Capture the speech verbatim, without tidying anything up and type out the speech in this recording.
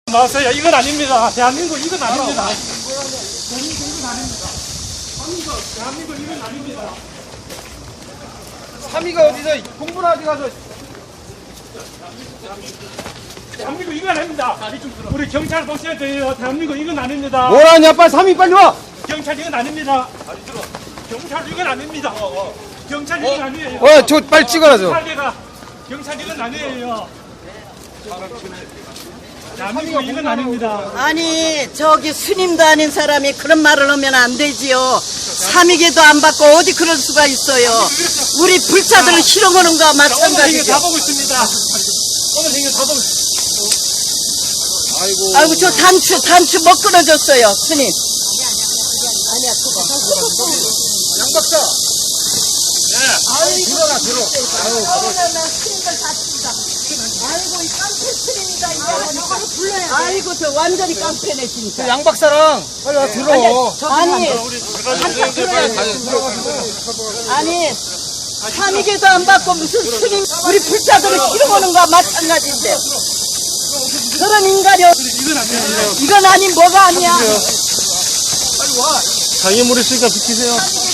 나왔어요. 이건 아닙니다. 대한민국 이건 아닙니다. 대한민국 이건 아닙니다. 대한민국, 대한민국 이건 아닙니다. 삼이가 어디서 공부를 어디 가서 대한민국 이건 아닙니다. 우리 경찰 보셔야 돼요. 대한민국 이건 아닙니다. 뭐라냐? 빨리 삼이 빨리 와. 경찰 이건 아닙니다. 경찰 이건 아닙니다. 경찰 이건 아니에요. 어, 저 빨리 찍어라 저. 경찰계가 경찰 이건 아니에요. 대한민국 이건 아닙니다. 아니 저기 스님도 아닌 사람이 그런 말을 하면 안 되지요. 삼위계도 안 받고 어디 그럴 수가 있어요. 우리 불자들을 실어보는 거와 오늘 행위 마찬가지죠. 다 보고 있습니다. 오늘 행위 다 보고 있습니다. 아이고. 아이고 저 단추 단추 못 끊어졌어요 스님. 아니야 그거. 양 박사. 아이고 들어라 들어. 나 스님들 다 친다. 아이고 이 깡패 스님이다 이거. 아이고 저 완전히 깡패네 진짜. 양 박사랑 빨리 와 들어. 아니 한참 들어야지. 아니 삼위계도 안 받고 무슨 스님 우리 불자들을 실어보는 거와 마찬가지인데 그런 인간이 없- 이건 아니에요. 이건 아닌 뭐가 아니야. 장애물 있으니까 비키세요.